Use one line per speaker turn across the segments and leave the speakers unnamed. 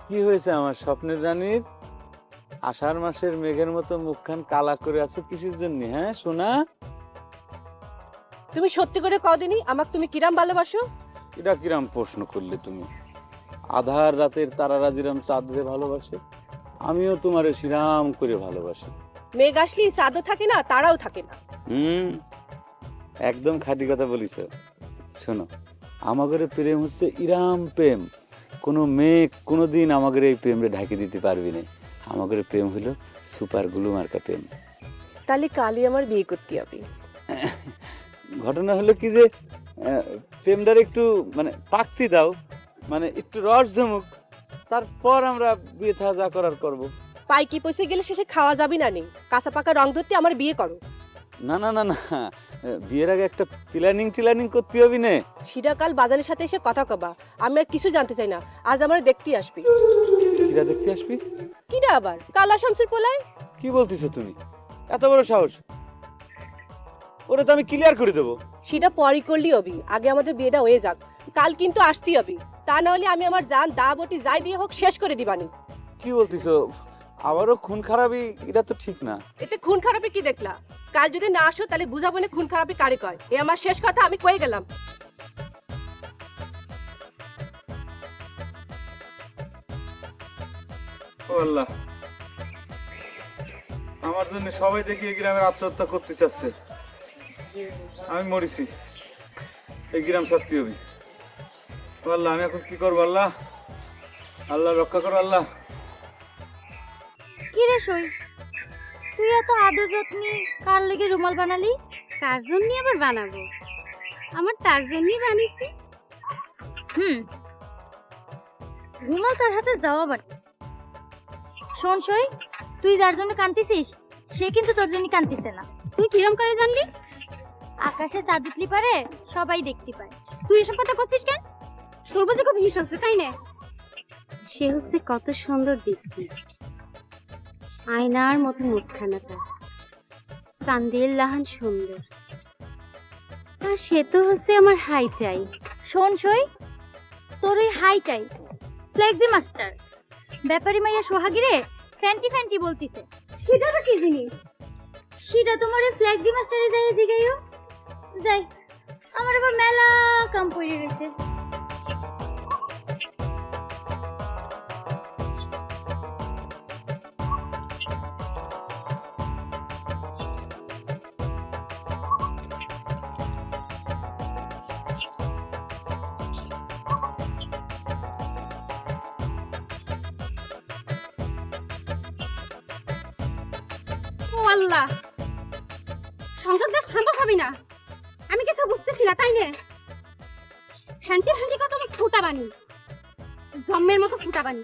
কি হয়েছে আমার স্বপ্নের রানীর? আষাঢ় মাসের মেঘের মতো মুখখান কালা করে আছো কিসের জন্য? হ্যাঁ সোনা,
তুমি সত্যি করে কদিনই আমাকে তুমি কিরাম ভালোবাসো?
এটা কিরাম প্রশ্ন করলে তুমি? আধার রাতের তারারা যেরাম চাঁদরে ভালোবাসে, আমিও তোমারে শ্রীরাম করে ভালোবাসি।
মেঘ আসলি চাঁদও থাকে না, তারাও থাকে না।
হুম, একদম খাঁটি কথা বলিস। শোনো, আমাদের প্রেম হচ্ছে ইরাম প্রেম। কোনো মেঘ কোনোদিন আমাদের এই প্রেমরে ঢাকি দিতে পারবি না। আমাদের প্রেম হলো সুপার গ্লু মার্কা প্রেম।
তাহলে কালই আমার বিয়ে করতে হবে।
ঘটনা হলো কি যে প্রেমটার একটু মানে পাকতি দাও, মানে একটু রস জমুক, তারপর আমরা বিয়ে থা যা করার করব।
পাইকি পয়সে গেলে শেষে খাওয়া যাবে না নেই, কাঁচা পাকা রং ধরতে আমার বিয়ে করো।
না না না না, বিয়ের আগে একটা প্ল্যানিং করতে হবে না।
সেটা কাল বাজারের সাথে এসে কথা কবা, আমি আর কিছু জানতে চাই না। আজ আমার দেখতে আসবি।
কিরা দেখতে আসবি?
কিরা আবার? কালা শামসুর পোলায়।
কি বলতেছো তুমি? এত বড় সাহস! ওরে তো আমি ক্লিয়ার করে দেবো।
সেটা পরই করলি হবি, আগে আমাদের বিয়েটা হয়ে যাক। কাল কিন্তু আসতেই হবে, তা না হলে আমি আমার জান দা বটি যাই দিয়ে হোক শেষ করে দিবানি।
কি বলতেছো? আবারও খুন খারাপি? এটা তো ঠিক না।
এতে খুন খারাপি কি দেখলা? কাল যদি না আসো তাহলে বুঝাবো না খুন খারাপি কারে কয়। এ আমার শেষ কথা, আমি কয়ে গেলাম।
ও আল্লাহ, আমার জন্য সবাই দেখি এই গ্রামের আত্মহত্যা করতে চাচ্ছে। আমি মরিছি, এই গ্রাম ছাড়তে হবে। ও আল্লাহ, আমি এখন কি করবো? আল্লাহ, আল্লাহ রক্ষা করো আল্লাহ।
কি রে সই, তুই এত আদর যত্নে কার লেগে রুমাল বানালি? কার জন্য আবার বানাবো? আমার তার জন্যই বানিয়েছি। রুমাল তার হাতে যাওয়া বাট। শোন সই, তুই যার জন্য কাঁদতেছিস সে কিন্তু তোর জন্য কাঁদতেছে না। তুই কিরম করে জানলি? আকাশে চাঁদ উঠলি পারে সবাই দেখতে পায়। তুই এসব কথা করছিস কেন? তোর বুঝি খুব হিংসা হচ্ছে তাই না? সে হচ্ছে কত সুন্দর দেখতে, আয়নার মতো মুখখানাটা, চান্দের লাহান সুন্দর। তা সে তো হচ্ছে আমার হাইটাই। শোন সই, তোর ওই হাইটাই ফ্লেক্সি মাস্টার ব্যাপারী মাইয়া সোহাগিরে ফ্যান্টি ফ্যান্টি বলতিছে। সেটা তো কি জিনিস? সেটা তোমার ওই ফ্লেক্সি মাস্টারে যাই জিগাইও। যাই, আমার আবার মেলা কাম পড়ে রয়েছে। ও আল্লাহ, সংসারটা সম্ভব হবে না। আমি কিছু বুঝতেছি না তাই না? ফ্যান্টি ফ্যান্টি কত আমার ছোটা বানি, জম্মের মতো ছোটা বানি।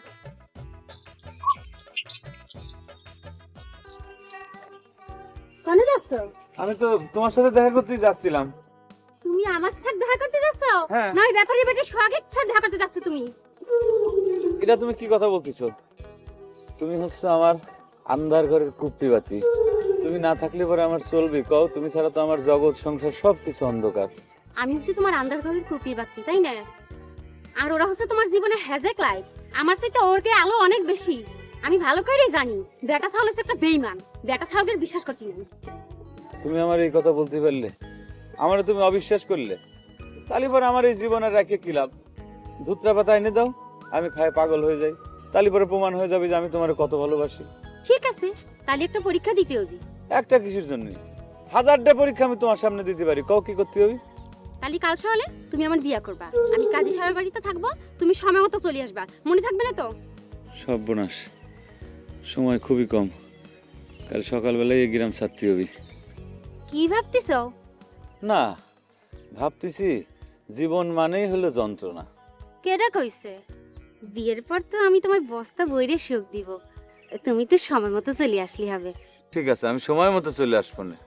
কোনে যাচ্ছ?
আমি তো তোমার সাথে দেখা করতেই যাচ্ছিলাম।
তুমি আমার সাথে দেখা করতে যাচ্ছ?
হ্যাঁ।
নয় ব্যাপারী বেটে সোহাগের সাথে দেখা করতে যাচ্ছ তুমি?
এটা তুমি কি কথা বলতেছো? তুমি হচ্ছে আমার আন্ধার ঘরের কুপ্পি বাতি। তুমি না থাকলে পরে আমার চলবে কও? তুমি ছাড়া তো আমার জগৎ সংসার সবকিছু অন্ধকার।
আমি হচ্ছে তোমার আন্ধার ঘরের কুপির বাতি তাই না? আর ওরা হচ্ছে তোমার জীবনে হ্যাজেক লাইট। আমার চাইতে ওর কে আলো অনেক বেশি। আমি ভালো করেই জানি বেটা ছাগল হচ্ছে একটা বেঈমান। বেটা ছাগলের বিশ্বাস করতে নেই।
তুমি আমার এই কথা বলতে পারলে, আমারে তুমি অবিশ্বাস করলে, তাহলে পরে আমার এই জীবনের রেখে কি লাভ? ধুতরা পাতা এনে দাও, আমি খায় পাগল হয়ে যাই, তাহলে পরে প্রমাণ হয়ে যাবে যে আমি তোমার কত ভালোবাসি।
ঠিক আছে, তাহলে একটা পরীক্ষা দিতে হবে।
একটা কিসের জন্য? হাজারটা পরীক্ষা আমি তোমার সামনে দিতে পারি, কও কি করতে হবে?
তাহলে কাল সকালে তুমি আমার বিয়ে করবা। আমি কাজী সাহেবের বাড়িতে থাকবো, তুমি সময় মতো চলে আসবা। মনে থাকবে না তো?
সর্বনাশ, সময় খুবই কম। কাল সকালবেলায় এই গ্রাম ছাড়তে হবে।
কি ভাবতেছ?
না, ভাবতেছি জীবন মানেই হলো যন্ত্রণা।
কেডা কইছে? বিয়ের পর তো আমি তোমার বস্তা বইরে সুখ দিব। তুমি তো সময় মতো চলে আসলি হবে।
ঠিক আছে, আমি সময় মতো চলে আসবো না।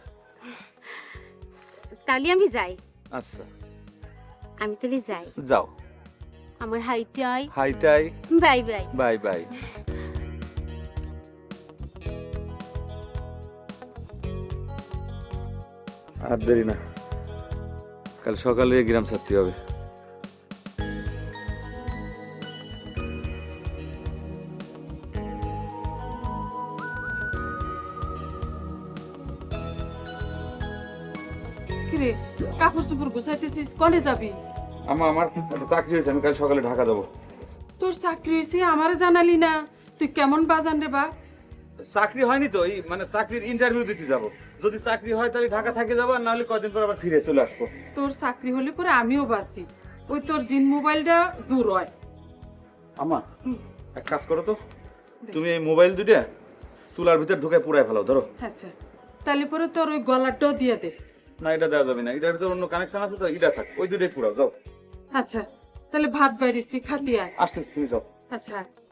তাহলে আমি যাই।
আচ্ছা,
আমি তাহলে যাই।
যাও।
আমার হাইটাই
হাইটাই।
Bye bye.
Bye bye. আর দেরি না, কাল সকালে এই গ্রাম ছাড়তে হবে।
কিরে কাপড় চোপড় গুছাইতেছিস কনে যাবি?
আমা আমার একটা চাকরি হয়েছে, আমি কাল সকালে ঢাকা যাবো।
তোর চাকরি হয়েছে আমারে জানালি না, তুই কেমন বাজান রে বা?
চাকরি হয়নি তো, এই মানে চাকরির ইন্টারভিউ দিতে যাব। যদি চাকরি হয় তাহলে ঢাকা থেকে যাবো, আর নাহলে কদিন পর আবার ফিরে চলে আসবো।
তোর চাকরি হলে পরে আমিও বাঁচি, ওই তোর জিন মোবাইলটা দূর হয়।
আমা এক কাজ করো তো, তুমি এই মোবাইল দুইটা চুলার ভিতর ঢুকে পুরাই ফেলো, ধরো।
আচ্ছা তাহলে পরে তোর ওই গলাটাও দিয়ে দে।
না, এটা দেওয়া যাবে না, এটার ভিতর অন্য কানেকশন আছে তো, এটা থাক, ওই দুইটাই পুরাও, যাও।
আচ্ছা তাহলে ভাত বাইরেছি খাতি আয়।
আসতেছি, তুমি যাও।
আচ্ছা